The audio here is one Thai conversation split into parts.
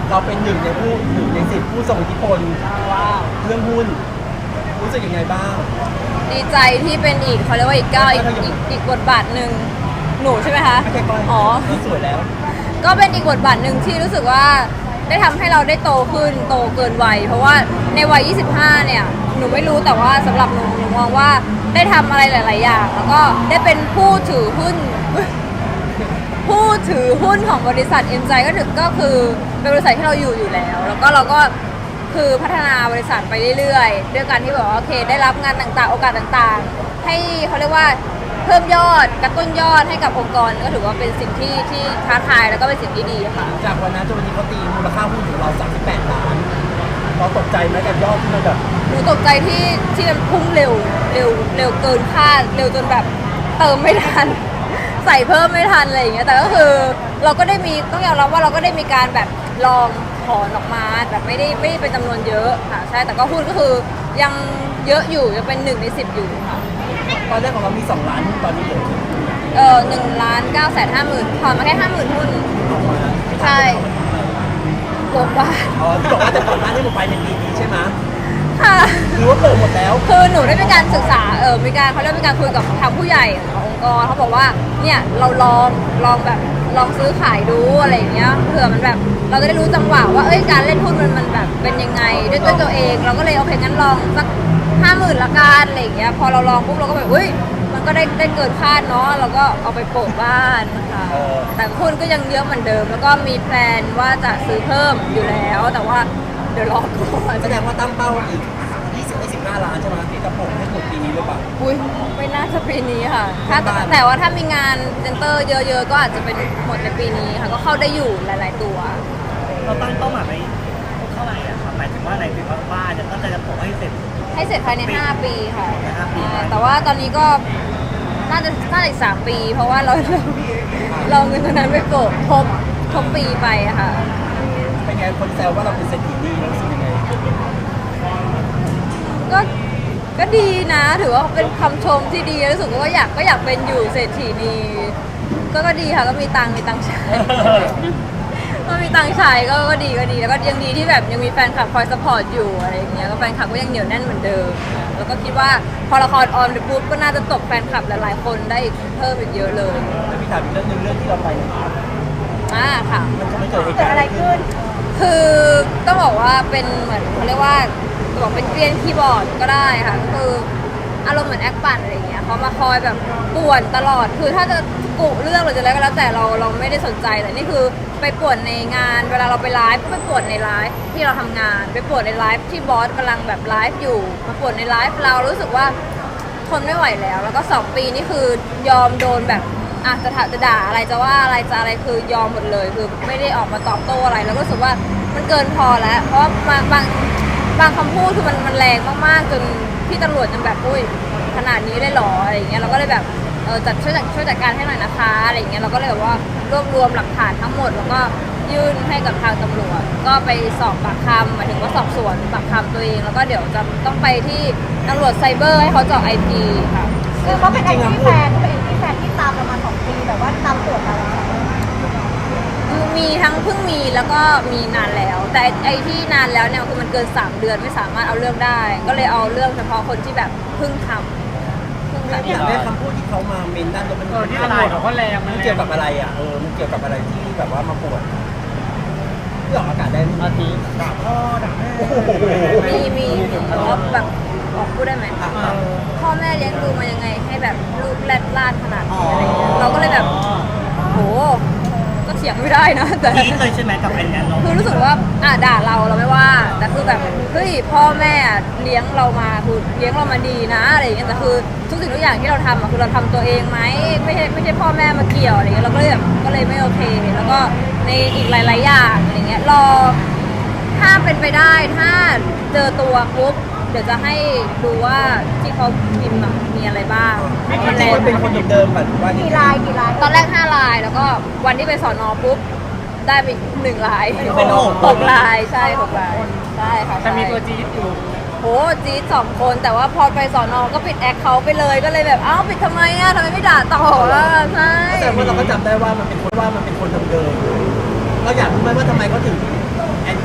เราเป็นหนึ่งใน 10ผู้ทรงอิทธิพลเรื่องหุ้นรู้สึกยังไงบ้างดีใจที่เป็นอีกเขาเรียกว่าอีกก้าวอีกบทบาทหนึ่งหนูใช่ไหมคะไม่ใช่ก้อยอ๋อสวยแล้วก็เป็นอีกบทบาทหนึ่งที่รู้สึกว่าได้ทำให้เราได้โตขึ้นโตเกินวัยเพราะว่าในวัย 25 เนี่ยหนูไม่รู้แต่ว่าสำหรับหนูมองว่าได้ทำอะไรหลาย ๆ อย่างแล้วก็ได้เป็นผู้ถือหุ้นของบริษัทเอ็นไจก็คือเป็นบริษัทที่เราอยู่แล้วแล้วก็เราก็คือพัฒนาบริษัทไปเรื่อยๆด้วยการที่แบบว่าโอเคได้รับงานต่างๆโอกาสต่างๆให้เขาเรียกว่าเพิ่มยอดกระตุ้นยอดให้กับองค์กรก็ถือว่าเป็นสิ่งที่ท้าทายแล้วก็เป็นสิ่งที่ดีค่ะจากวันนั้นจนวันนี้เขาตีมูลค่าหุ้นของเรา38 ล้านเราตกใจไหมกับยอดที่มันแบบหนูตกใจที่มันพุ่งเร็วเกินคาดเร็วจนแบบเติมไม่ทันใส่เพิ่มไม่ทันอะไรอย่างเงี้ยแต่ก็คือเราก็ได้มีต้องยอมรับว่าเราก็ได้มีการแบบลองถอนออกมาแบบไม่ได้เป็นจำนวนเยอะค่ะใช่แต่ก็หุ้นก็คือยังเยอะอยู่ยังเป็น1 ใน 10อยู่ค่ะตอนแรกของเรามี2 ล้านหุ้นตอนนี้เหลือ 1,950,000ถอนมาแค่50,000หุ้นใช่บวกว่าอ๋อที่บอกว่าจะถอนบ้านให้หมดไปในปีนี้ใช่ไหมค่ะหรือว่าเปิดหมดแล้วคือหนูได้มีการศึกษามีการเขาเรียกมีการคุยกับทางผู้ใหญ่ขององค์กรเขาบอกว่าเนี่ยเราลองแบบลองซื้อขายดูอะไรอย่างเงี้ยเผื่อมันแบบเราจะได้รู้จังหวะว่าการเล่นหุ้นมันแบบเป็นยังไงด้วยตัวเองเราก็เลยโอเคงั้นลองสัก50,000ละกันอะไรอย่างเงี้ยพอเราลองปุ๊บเราก็แบบมันก็ได้เกินคาดเนาะเราก็เอาไปโปะบ้านค่ะแต่หุ้นก็ยังเยอะเหมือนเดิมแล้วก็มีแพลนว่าจะซื้อเพิ่มอยู่แล้วแต่ว่าเดี๋ยวรอก่อนแสดงว่าตั้งเป้าอีก20-25 ล้านใช่ไหมที่กระโปรงให้หมดปีนี้หรือเปล่าอุ้ยไม่น่าจะปีนี้ค่ะแต่ว่าถ้ามีงานเซ็นเตอร์เยอะๆก็อาจจะเป็นหมดในปีนี้ค่ะก็เข้าได้อยู่หลายๆตัวเราตั้งเป้าหมายไว้เท่าไหร่อะครับหมายถึงว่าอะไรถึงว่าบ้านจะตั้งใจจะปลูกให้เสร็จภายใน5 ปีค่ะ 5 ปีแต่ว่าตอนนี้ก็น่าจะอีก3 ปีเพราะว่าเราเงินตรงนั้นไปโปะครบปีไปค่ะเป็นไงคนแซวว่าเราเป็นเศรษฐีดีเรารู้สึกยังไงก็ดีนะถือว่าเป็นคำชมที่ดีรู้สึกว่าอยากเป็นอยู่เศรษฐีนีก็ดีค่ะก็มีตังค์ใช้ก็มีตังค์ใช้ก็ดีแล้วก็ยังดีที่แบบยังมีแฟนคลับคอยซัพพอร์ตอยู่อะไรอย่างเงี้ยก็แฟนคลับก็ยังเหนียวแน่นเหมือนเดิมแล้วก็คิดว่าพอละครออนไปปุ๊บก็น่าจะตกแฟนคลับหลายๆคนได้เพิ่มอีกเยอะเลยแล้วพี่ถามอีกเรื่องนึงเรื่องที่เราไปค่ะมันเกิดเหตุการณ์อะไรขึ้นคือต้องบอกว่าเป็นเหมือนเขาเรียกว่าบอกเป็นเกลียนคีย์บอร์ดก็ได้ค่ะก็คืออารมณ์เหมือนแอคปั่นอะไรอย่างเงี้ยเขามาคอยแบบป่วนตลอดคือถ้าจะกุเรื่องหรือจะอะไรก็แล้วแต่เราไม่ได้สนใจแต่นี่คือไปป่วนในงานเวลาเราไปไลฟ์ก็ไปป่วนในไลฟ์ที่เราทำงานไปป่วนในไลฟ์ที่บอสกำลังแบบไลฟ์อยู่มาป่วนในไลฟ์เรารู้สึกว่าทนไม่ไหวแล้วก็2 ปีนี่คือยอมโดนแบบจะด่าอะไรจะว่าอะไรจะอะไรคือยอมหมดเลยคือไม่ได้ออกมาตอบโต้อะไรแล้วก็รู้สึกว่ามันเกินพอแล้วเพราะว่าบางคำพูดคือมันแรงมากๆจนพี่ตำรวจจนแบบขนาดนี้ได้หรออะไรอย่างเงี้ยเราก็เลยแบบช่วยจัดการให้หน่อยนะคะอะไรอย่างเงี้ยเราก็เลยแบบว่ารวบรวมหลักฐานทั้งหมดแล้วก็ยื่นให้กับทางตำรวจก็ไปสอบปากคำหมายถึงว่าสอบสวนปากคำตัวเองแล้วก็เดี๋ยวจะต้องไปที่ตำรวจไซเบอร์ให้เขาเจาะ IP ค่ะคือเขาเป็นแอนตี้แฟนที่ตามเรามา2 ปีแต่ว่าตามตรวจมาแล้วมีทั้งเพิ่งมีแล้วก็มีนานแล้วแต่ไอ้ที่นานแล้วเนี่ยคือมันเกิน3 เดือนไม่สามารถเอาเรื่องได้ก็เลยเอาเรื่องเฉพาะคนที่แบบเพิ่งทำอย่างแรกคำพูดที่เขามาเมนด้านมันที่อะไรเขาก็แรงมันเกี่ยวกับอะไรอ่ะมันเกี่ยวกับอะไรที่แบบว่ามาปวดที่ออกอากาศได้อาทิตย์ด่าพ่อด่าแม่มีแบบออกพูดได้ไหมพ่อแม่เลี้ยงดูมายังไงให้แบบลูกแรดลาดขนาดนี้อะไรเงี้ยเราก็เลยแบบโหก็เถียงไม่ได้นะแต่คิดเลยใช่ไหมกับไอ้เนี่ยคือรู้สึกว่าด่าเราไม่ว่าแต่คือแบบเฮ้ยพ่อแม่เลี้ยงเรามาคือเลี้ยงเรามาดีนะอะไรอย่างเงี้ยแต่คือทุกสิ่งทุกอย่างที่เราทำคือเราทำตัวเองไหมไม่ใช่พ่อแม่มาเกี่ยวอะไรเงี้ยเราก็เลยแบบก็เลยไม่โอเคแล้วก็ในอีกหลายๆอย่างอะไรเงี้ยรอถ้าเป็นไปได้ถ้าเจอตัวปุ๊บเดี๋ยวจะให้ดูว่าที่เขาพิมพ์มีอะไรบ้างมันเป็นคนเดิมๆแบบว่ากี่ลายตอนแรก5 ลายแล้วก็วันที่ไปสอนอปุ๊บได้ไป1 ลายเป็น 6 ลายใช่6 ลายใช่ค่ะแต่มีตัวจี๊ดอยู่โหจี๊ด2 คนแต่ว่าพอไปสอนอก็ปิดแอคเขาไปเลยก็เลยแบบปิดทำไมทำไมไม่ด่าต่อใช่แต่ว่าเราก็จำได้ว่ามันเป็นคนเดิมๆเราอยากรู้ไหมว่าทำไมเขาถึง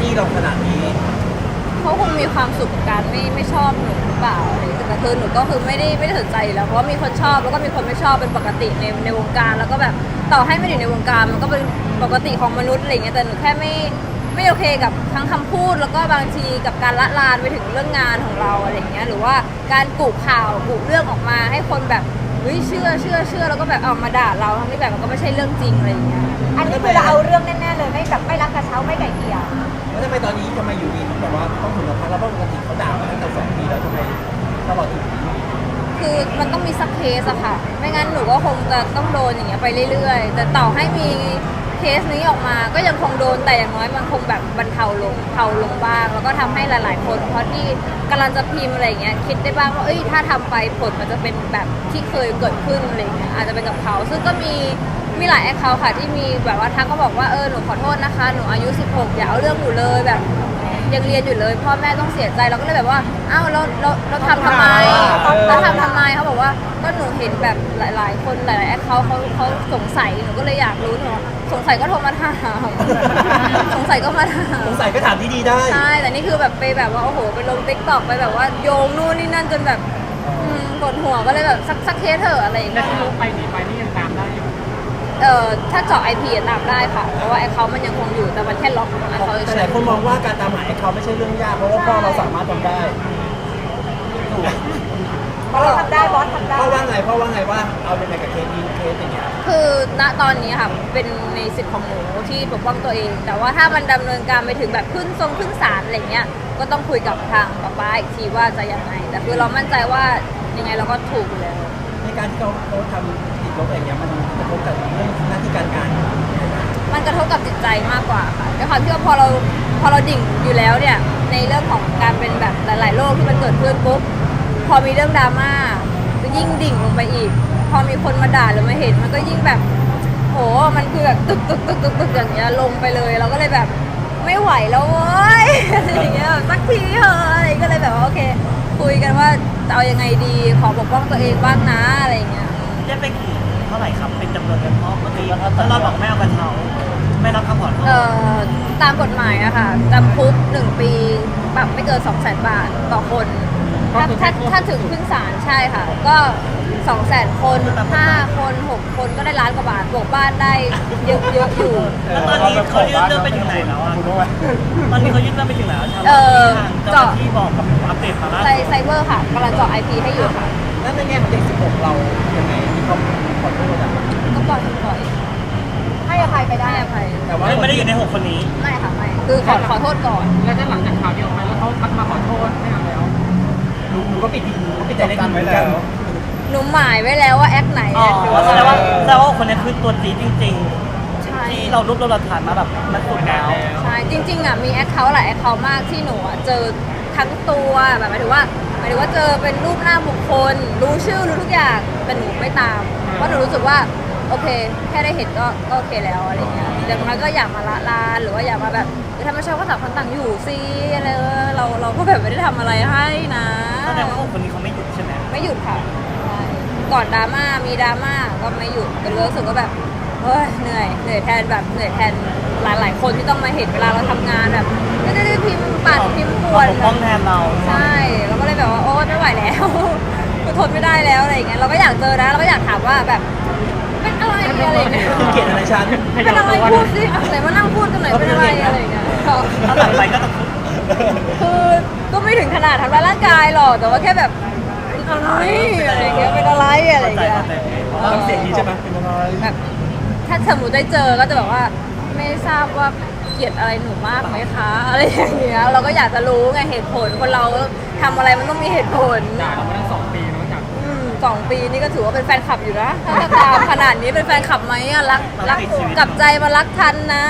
จี้เราขนาดนี้เขาคงมีความสุขกับการไม่ชอบหนูหรือเปล่าอะไรอย่างเงี้ยแต่คือหนูก็คือไม่ได้สนใจอยู่แล้วเพราะว่ามีคนชอบแล้วก็มีคนไม่ชอบเป็นปกติในวงการแล้วก็แบบต่อให้ไม่ได้อยู่ในวงการมันก็เป็นปกติของมนุษย์อะไรอย่างเงี้ยแต่หนูแค่ไม่โอเคกับทั้งคำพูดแล้วก็บางทีกับการละลานไปถึงเรื่องงานของเราอะไรอย่างเงี้ยหรือว่าการกุข่าวกุเรื่องออกมาให้คนแบบเฮ้ยเชื่อแล้วก็แบบเอามาด่าเราทั้งที่แบบมันก็ไม่ใช่เรื่องจริงอะไรอย่างเงี้ยอันนี้คือเราเอาเรื่องแน่ๆเลยไม่แบบไม่รักกระเช้าไม่ไก่เกลี่ยแล้วทำไมตอนนี้ทำไมอยู่ดีถึงแบบว่าต้องถึงกับพักแล้วเพราะปกติเขาด่ามาตั้งแต่2 ปีแล้วทำไมตลอดถึงคือมันต้องมีสักเคสอะค่ะ ไม่งั้นหนูก็คงจะต้องโดนอย่างเงี้ยไปเรื่อยๆ แต่ต่อให้มีเคสนี้ออกมาก็ยังคงโดนแต่อย่างน้อยมันคงแบบบรรเทาลงบ้าง แล้วก็ทำให้หลายๆ คนเพราะที่กำลังจะพิมพ์อะไรอย่างเงี้ยคิดได้บ้างว่าเอ้ยถ้าทำไปผลมันจะเป็นแบบที่เคยเกิดขึ้นอะไรอย่างเงี้ยอาจจะเป็นกับเขาซึ่งก็มีหลายแอคเคาท์ค่ะที่มีแบบว่าทักก็บอกว่าหนูขอโทษนะคะหนูอายุ 16อย่าเอาเรื่องหนูเลยแบบยังเรียนอยู่เลยพ่อแม่ต้องเสียใจเราก็เลยแบบว่าอ้าวเราทำทำไมเราทำทำไมเขาบอกว่าก็หนูเห็นแบบหลายๆคนหลายๆแอคเขาสงสัยหนูก็เลยอยากรู้หนูสงสัยก็โทรมาถามสงสัยก็มาถามสงสัยก็ถามที่ดีได้ใช่แต่นี่คือแบบไปแบบว่าโอ้โหไปลงติ๊กต็อกไปแบบว่าโยงนู่นนี่นั่นจนแบบปวดหัวก็เลยแบบสักเคสเถอะอะไรอย่างเงี้ยไปนี่ยังตามได้อยู่ถ้าเจาะ IP ตามได้ค่ะ เพราะว่าไอเขามันยังคงอยู่แต่มันแค่ล็อกไอเขาแต่หลายคนมองว่าการตามหาเขาไม่ใช่เรื่องยากเพราะว่าพ่อเราสามารถทำได้ถูกบอสทำได้บอสทำได้พ่อว่าไงว่าเอายังไงกับเคสนี้เคสอย่างเงี้ยคือณตอนนี้ค่ะเป็นในสิทธิ์ของหนูที่ปกป้องตัวเอง แต่ว่าถ้ามันดำเนินการไปถึงแบบขึ้นศาลอะไรเงี้ยก็ต้องคุยกับทางป้าอีกทีว่าจะยังไงแต่คือเรามั่นใจว่ายังไงเราก็ถูกอยู่แล้วในการที่เขาทำติดลบอย่างเงี้ยมันกระทบกับเรื่องหน้าที่การงานมันกระทบกับจิตใจมากกว่าค่ะด้วยความที่ว่าพอเราดิ่งอยู่แล้วเนี่ยในเรื่องของการเป็นแบบหลายๆโรคที่มันเกิดขึ้นปุ๊บพอมีเรื่องดราม่าก็ยิ่งดิ่งลงไปอีก พอมีคนมาด่าหรือมาเห็นมันก็ยิ่งแบบโหมันคือแบบตึกอย่างเงี้ยลงไปเลยเราก็เลยแบบไม่ไหวแล้วเว้ยอะไรอย่างเงี้ยสักทีเถอะอะไรก็เลยแบบว่าโอเคคุยกันว่าจะเอายังไงดีขอปกป้องตัวเองบ้างนะอะไรอย่างเงี้ยได้ไปกี่เท่าไหร่ครับเป็นจำนวนเงินเพราะเมื่อกี้เราบอกไม่เอากระเช้าไม่รับคำขอโทษตามกฎหมายอะค่ะจำคุก1 ปีปรับไม่เกิน 200,000 บาทต่อคนถ้าถึงขึ้นศาลใช่ค่ะ ก็ 200,000 คน5 คน 6 คนก็ได้1 ล้านกว่าบาทบวกบ้านได้เยอะอยู่แล้วตอนนี้เขายื่นเรื่องไปถึงไหนแล้วอ่ะตอนนี้เขายื่นเรื่องไปถึงไหนแล้วใช่ไหมทางเจ้าหน้าที่บอกกับอัปเดตมาล่าสุดไซเบอร์ค่ะกำลังเจาะ IP ให้อยู่ค่ะแล้วในแง่ของเด็ก16เรายังไงที่เขาขอโทษอะก็ปล่อยให้อภัยไปได้ให้อภัยแต่ว่าไม่ได้อยู่ใน6 คนนี้ไม่ค่ะไม่คือขอโทษก่อนแล้วถ้าหลังจากข่าวนี้ออกมาแล้วเขาทักมาขอโทษไม่เอาแล้วหนูก็ปิดใจเล็กเหมือนกันหนูหมายไว้แล้วว่าแอคไหนอ๋อแอคหนูแสดงว่าคนนี้คือตัวจี๊ดจริงใช่ๆ ที่เรารวบรวมหลักฐานมาแบบมันสุดแล้วใช่จริงๆอ่ะมีแอคเคาท์หลายแอคเคาท์มากที่หนูอ่ะเจอทั้งตัวแบบหมายถึงว่าเจอเป็นรูปหน้าบุคคล รู้ชื่อรู้ทุกอย่างแต่หนูไม่ตามเพราะหนูรู้สึกว่าโอเค แค่ได้เห็นก็โอเคแล้วอะไรเงี้ยอย่างน้อยก็อยากมาละลานหรือว่าอยากมาแบบถ้าไม่ชอบก็ต่างคนต่างอยู่สิอะไรเราก็แบบไม่ได้ทำอะไรให้นะแสดงว่าคนนี้เขาไม่หยุดใช่ไหมไม่หยุดค่ะใช่ก่อนดราม่ามีดราม่าก็ไม่หยุดแต่รู้สึกว่าแบบเฮ้ยเหนื่อยแทนแบบเหนื่อยแทนหลายๆคนที่ต้องมาเห็นเวลาเราทำงานแบบไม่ได้พิมพ์ปัดพิมพ์ป่วนปกป้องแทนเราใช่เราก็เลยแบบว่าโอ๊ยไม่ไหวแล้ว คือทนไม่ได้แล้วอะไรอย่างเงี้ยเราก็อยากเจอนะเราก็อยากถามว่าแบบเป็นอะไรอะไรอย่างเงี้ยเกลียดอะไรฉันเป็นอะไรพูดสิไหนมานั่งพูดกันหน่อยเป็นอะไรอะไรอย่างเงี้ยถ้าหลังไปก็จะคือก็ไม่ถึงขนาดทำร้ายร่างกายหรอกแต่ว่าแค่แบบเป็นอะไรอะไรอย่างเงี้ยเป็นอะไรอะไรอย่างเงี้ยน้ำเสียงนี้ใช่ไหมเป็นอะไรแบบถ้าสมมติได้เจอก็จะแบบว่าไม่ทราบว่าเกลียดอะไรหนูมากไหมคะอะไรอย่างเงี้ยเราก็อยากจะรู้ไงเหตุผลคนเราทำอะไรมันต้องมีเหตุผลด่าเรามาตั้ง2 ปีเนาะจาก 2 ปีนี่ก็ถือว่าเป็นแฟนคลับอยู่นะถ้าตามขนาดนี้เป็นแฟนคลับไหมอะรักกลับใจมารักทันนะ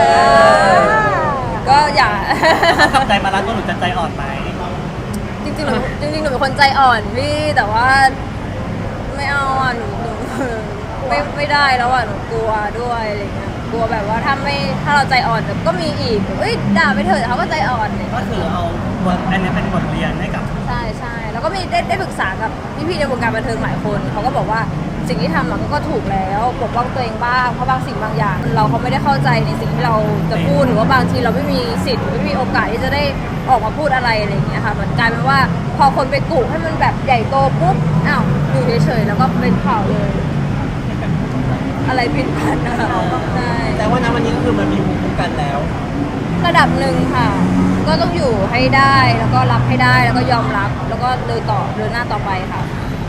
ก็อย่ากลับใจมารักก็หนูจะใจอ่อนไหมจริงๆหนูเป็นคนใจอ่อนพี่แต่ว่าไม่เอาอ่ะหนูไม่ได้แล้วอ่ะหนูกลัวด้วยอะไรเงี้ยกลัวแบบว่าถ้าเราใจอ่อนเดี๋ยวก็มีอีกเอ้ยด่าไปเถอะเขาก็ใจอ่อนอะไรก็เงี้ยคือเอาบทอันนี้เป็นบทเรียนให้กับใช่แล้วก็มีได้ปรึกษากับพี่ๆในวงการบันเทิงหลายคนเขาก็บอกว่าสิ่งที่ทำมันก็ถูกแล้วปกป้องตัวเองบ้างเพราะบางสิ่งบางอย่าง เราเขาไม่ได้เข้าใจในสิ่งที่เราจะพูดหรือว่าบางทีเราไม่มีสิทธิ์ไม่มีโอกาสที่จะได้ออกมาพูดอะไรอะไรอย่างเงี้ยค่ะมันกลายเป็นว่าพอคนไปกุให้มันแบบใหญ่โตปุ๊บอ้าวอยู่เฉยๆแล้วก็เป็นข่าวเลย อะไรผิดพลาดนะคะใช่แต่ว่าณวันนี้ก็คือมันมีภูมิคุ้มกันแล้วระดับหนึ่งค่ะ ก็ต้องอยู่ให้ได้แล้วก็รับให้ได้แล้วก็ยอมรับแล้วก็เดินหน้าต่อไปค่ะ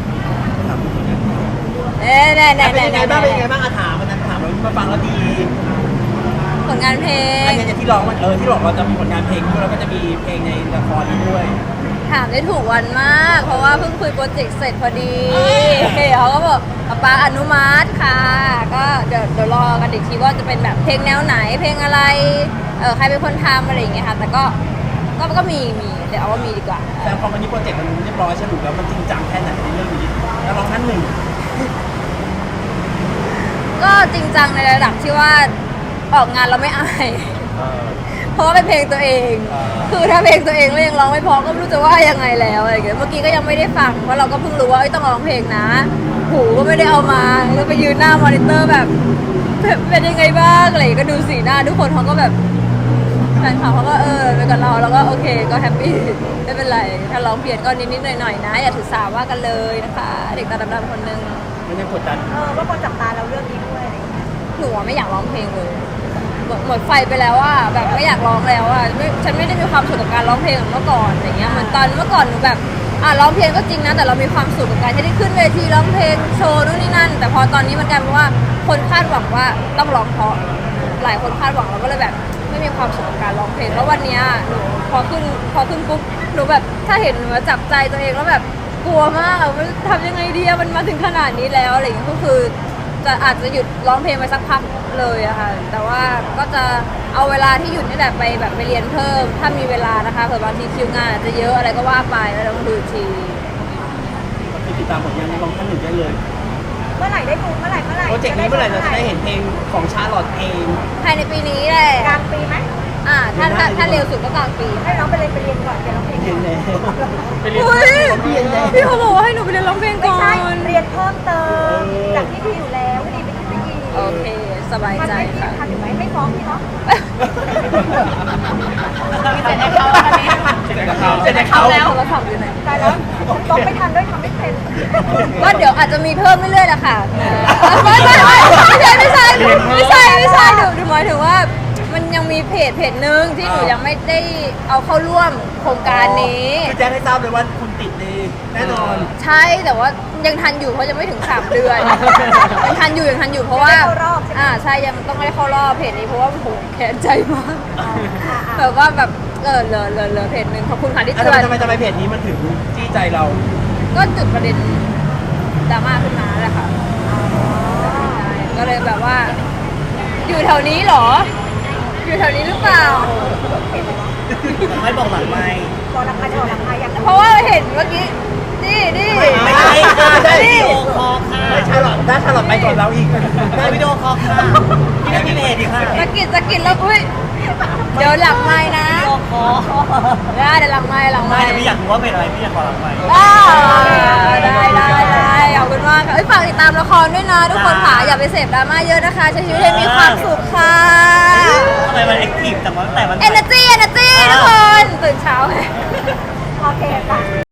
แน่แน่แน่เป็นแน่ยังไงบ้างเป็นยังไงบ้างถามวันนั้นถามมาฟังแล้วดีผลงานเพลงอันนี้ที่ร้องมันที่บอกเราจะมีผลงานเพลงด้วยแล้วก็จะมีเพลงในละครด้วยถามได้ถูกวันมาก เพราะว่าเพิ่งคุยโปรเจกต์เสร็จพอดีเขาก็บอกป๊าอนุมัติค่ะ ก็เดี๋ยวรอกันอีกทีว่าจะเป็นแบบเพลงแนวไหนเพลงอะไรใครเป็นคนทำอะไรอย่างเงี้ยค่ะ แต่ก็มีเดี๋ยวเอาว่ามีดีกว่าแต่พอวันนี้โปรเจกต์มันเรียบร้อยสรุปแล้วมันจริงจังแค่ไหนในเรื่องนี้แล้วร้องท่านหนึ่งก็จริงจังในระดับที่ว่าออกงานเราไม่อาย เพราะว่าเป็นเพลงตัวเอง คือถ้าเพลงตัวเองแล้วยังร้องไม่พอก็ไม่รู้จะว่ายังไงแล้วอะไรอย่างเงี้ย เมื่อกี้ก็ยังไม่ได้ฟัง เพราะเราก็เพิ่งรู้ว่าต้องร้องเพลงนะ หูก็ไม่ได้เอามาแล้วไปยืนหน้ามอนิเตอร์แบบเป็นยังไงบ้างอะไรอย่างเงี้ยก็ดูสีหน้าทุกคนเขาก็แบบแฟนคลับเขาก็ไปกับเราแล้วก็โอเคก็แฮปปี้ไม่เป็นไร ถ้าร้องเปลี่ยนก็นิดๆหน่อยๆนะ อย่าถือสาว่ากันเลยนะคะ เด็กตาดำๆคนนึงมันยังกดดันว่าคนจับตาเราเรื่องนี้ด้วยอะไรอย่างเงี้ยหนูไม่อยากร้องเพลงเลยหมดไฟไปแล้วว่าแบบไม่อยากร้องแล้วอ่ะฉันไม่ได้มีความสุขกับการร้องเพลงเหมือนเมื่อก่อนอย่างเงี้ยเหมือนตอนเมื่อก่อนหนูแบบร้องเพลงก็จริงนะแต่เรามีความสุขกับการที่ได้ขึ้นเวทีร้องเพลงโชว์นู่นนี่นั่นแต่พอตอนนี้มันกลายเป็นว่าคนคาดหวังว่าต้องร้องเพราะหลายคนคาดหวังเราก็เลยแบบไม่มีความสุขกับการร้องเพลงแล้ววันเนี้ยหนูพอขึ้นปุ๊บหนูแบบถ้าเห็นหนูจับใจตัวเองแล้วแบบกลัวมากมันทำยังไงดีมันมาถึงขนาดนี้แล้วอะไรอย่างเงี้ยก็คืออาจจะหยุดร้องเพลงไปสักพักเลยอะค่ะแต่ว่าก็จะเอาเวลาที่หยุดนี่แหละไปแบบไปเรียนเพิ่มถ้ามีเวลานะคะเผื่อบางทีคิวงานอาจจะเยอะอะไรก็ว่าไปแล้วต้องดูอีกทีก็คือติดตามผลงานในร้องท่านหนึ่งได้เลยเมื่อไหร่ได้ดูเมื่อไหร่โปรเจกต์นี้เมื่อไหร่เราจะได้เห็นเพลงของชาลอตเองภายในปีนี้แหละกลางปีไหมถ้าเร็วสุดก็กลางปีให้น้องไปเรียนก่อนเดี๋ยวร้องเพลงเห็นแล้วอุ้ยพี่เขาบอกว่าให้หนูไปเรียนร้องเพลงไม่ก่อใช่นเรียนเพิ่มเติมจากที่พี่อยู่แล้วไม่ดีไปคิดไม่ดีโอเคสบายทันใจไหมพี่ค่ะทันอยู่ไหมไม่ฟ้องพี่เนาะเสร็จแต่เขาแล้วเราทำอยู่ไหนตายแล้วฟ้องไม่ทันด้วยทำไม่เป็นก็เดี๋ยวอาจจะมีเพิ่มเรื่อยๆแหละค่ะไม่ใช่หนูหมายถึงว่ามันยังมีเพจหนึ่งที่หนูยังไม่ได้เอาเข้าร่วมโครงการนี้คือแจ้งให้ทราบเลยว่าคุณติดดีแน่นอนใช่แต่ว่ายังทันอยู่เพราะยังไม่ถึง3 เดือนยังทันอยู่เพราะว่าใช่ยังต้องไม่ได้เข้ารอบเพจนี้เพราะว่าโหแค้นใจมากแบบว่าแบบเหลือเพจหนึ่งขอบคุณค่ะที่เตือนทำไมเพจนี้มันถึงจี้ใจเราก็จุดประเด็นดราม่าขึ้นมาแหละค่ะก็เลยแบบว่า อยู่แถวนี้เหรอ อยู่แถวนี้หรือเปล่าไม่บอกหลังไม่บอกราคาจะบอกราคาอย่างเพราะว่าเห็นเมื่อกี้นี่ไม่ใช่ค่ะใช่วิดีโอคอลค่ะไม่ชาลอตได้ชาลอตไปก่อนเราอีกได้วิดีโอคอลค่ะพี่ได้มีเพจอีกค่ะสะกิดแล้วอุ้ยเดี๋ยวหลังไม้นะวิดีโอคอลได้เดี๋ยวหลังไม้ไม่แต่พี่อยากรู้ว่าเป็นอะไรพี่อยากขอหลังไม่ได้ขอบคุณมากค่ะฝากติดตามละครด้วยนะทุกคนค่ะอย่าไปเสพดราม่าเยอะนะคะใช้ชีวิตให้มีความสุขค่ะทำไมมันแอคทีฟแต่ว่าแต่มัน energy ทุกคนตื่นเช้าโอเคค่ะ